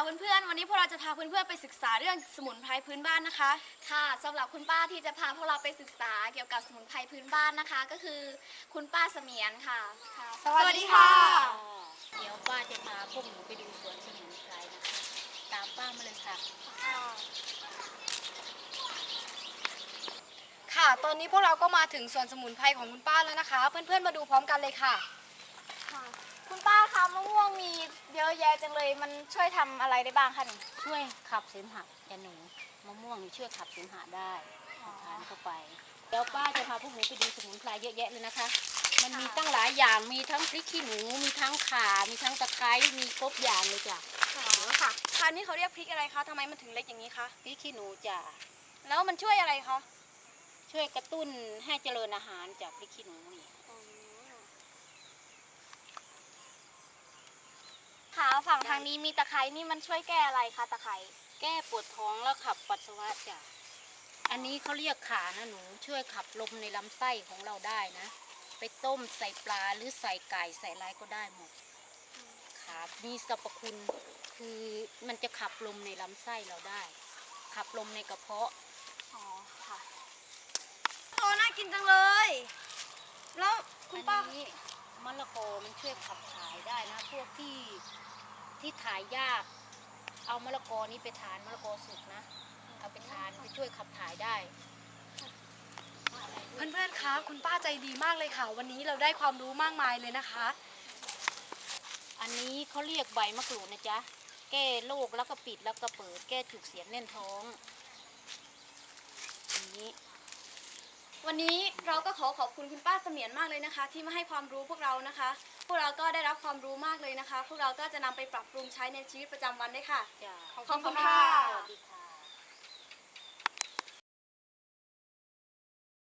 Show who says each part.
Speaker 1: เพื่อนๆวันนี้พวกเราจะพาเพื่อนๆไปศึกษาเรื่องสมุนไพรพื้นบ้านนะคะ
Speaker 2: ค่ะสำหรับคุณป้าที่จะพาพวกเราไปศึกษาเกี่ยวกับสมุนไพรพื้นบ้านนะคะก็คือคุณป้าเสมียนค่ะ
Speaker 1: สวัสดีค่ะ
Speaker 3: เดี๋ยวป้าจะพาพวกหนูไปดูสวนสมุนไพรนะคะตามป้ามาเลยค่ะ
Speaker 1: ค่ะตอนนี้พวกเราก็มาถึงสวนสมุนไพรของคุณป้าแล้วนะคะเพื่อนๆมาดูพร้อมกันเลยค่ะ
Speaker 2: คุณป้าคะมะม่วงมีเยอะแยะจังเลยมันช่วยทำอะไรได้บ้างคะนี่
Speaker 3: ช่วยขับเสมหะจ้ะหนูมะม่วงนี่ช่วยขับเสมหะได้ทานเข้าไปเดี๋ยวป้าจะพาพวกหนูไปดูสมุนไพรเยอะแยะเลยนะคะมันมีตั้งหลายอย่างมีทั้งพริกขี้หนูมีทั้งข่ามีทั้งตะไคร้มีครบอย่างเลยจ้ะ
Speaker 1: ค่ะค่ะนี่เขาเรียกพริกอะไรคะทำไมมันถึงเล็กอย่างนี้คะ
Speaker 3: พริกขี้หนูจ้ะ
Speaker 1: แล้วมันช่วยอะไรคะ
Speaker 3: ช่วยกระตุ้นให้เจริญอาหารจากพริกขี้หนูนี่
Speaker 2: ค่ะฝั่งทางนี้มีตะไคร้นี่มันช่วยแก้อะไรคะตะไคร้
Speaker 3: แก้ปวดท้องแล้วขับปัสสาวะจ้ะอันนี้เขาเรียกข่านะหนูช่วยขับลมในลำไส้ของเราได้นะไปต้มใส่ปลาหรือใส่ไก่ใส่อะไรก็ได้หมดขามีสรรพคุณคือมันจะขับลมในลำไส้เราได้ขับลมในกระเพาะ
Speaker 2: อ๋อค่ะ
Speaker 1: โอ้น่ากินจังเลยแล้วคุณป้า
Speaker 3: อันนี้มะละกอมันช่วยขับถ่ายได้นะพวกที่ถ่ายยากเอามะละกอนี้ไปทานมะละกอสุกนะเอาไปทานไปช่วยขับถ่ายได้
Speaker 1: เพื่อนๆคะคุณป้าใจดีมากเลยค่ะวันนี้เราได้ความรู้มากมายเลยนะคะ
Speaker 3: อันนี้เขาเรียกใบมะกรูดนะจ๊ะแก้โรคแล้วก็ปิดแล้วก็เปิดแก้จุกเสียดแน่นท้องอันนี้
Speaker 1: วันนี้เราก็ขอบคุณคุณป้าเสมียนมากเลยนะคะที่มาให้ความรู้พวกเรานะคะพวกเราก็ได้รับความรู้มากเลยนะคะพวกเราก็จะนำไปปรับปรุงใช้ในชีวิตประจำวันได้ค่ะ
Speaker 3: จ้ะ
Speaker 1: ขอบคุณค่ะ
Speaker 3: สวัสดีค่ะ